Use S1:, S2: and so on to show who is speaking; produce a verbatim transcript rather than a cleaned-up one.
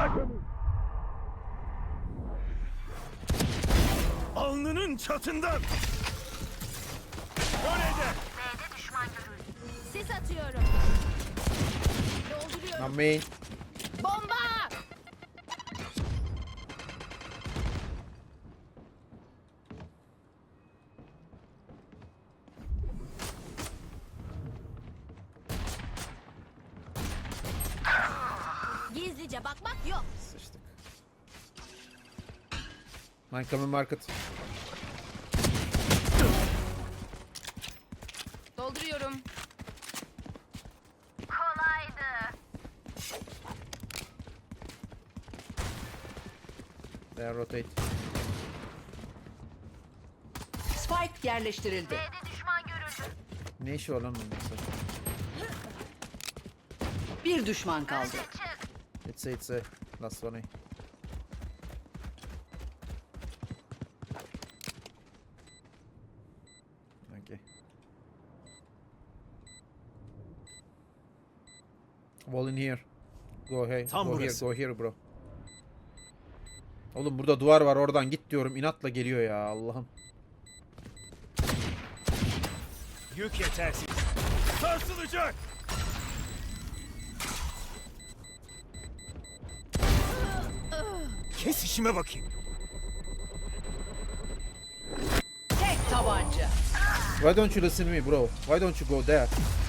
S1: Alnının çatından. Öyle
S2: Sis atıyorum. Dolduruyorum.
S3: Lan main.
S2: Bomba! Gizlice bakmak yok.
S3: Sıçtık. Mine coming market.
S2: Dolduruyorum.
S3: They rotate.
S4: Spike yerleştirildi.
S3: Ne işi var lan bunun?
S4: Bir düşman kaldı.
S3: It's a, it's a. Last one. Okay. Wall in here. Go here.
S1: Tam
S3: go here.
S1: burası.
S3: Go here bro. Oğlum burada duvar var, oradan git diyorum. İnatla geliyor ya Allah'ım.
S1: Yük yetersiz. Sarsılacak. Kes işime bakayım.
S4: Tek tabanca.
S3: Why don't you listen to me bro? Why don't you go there?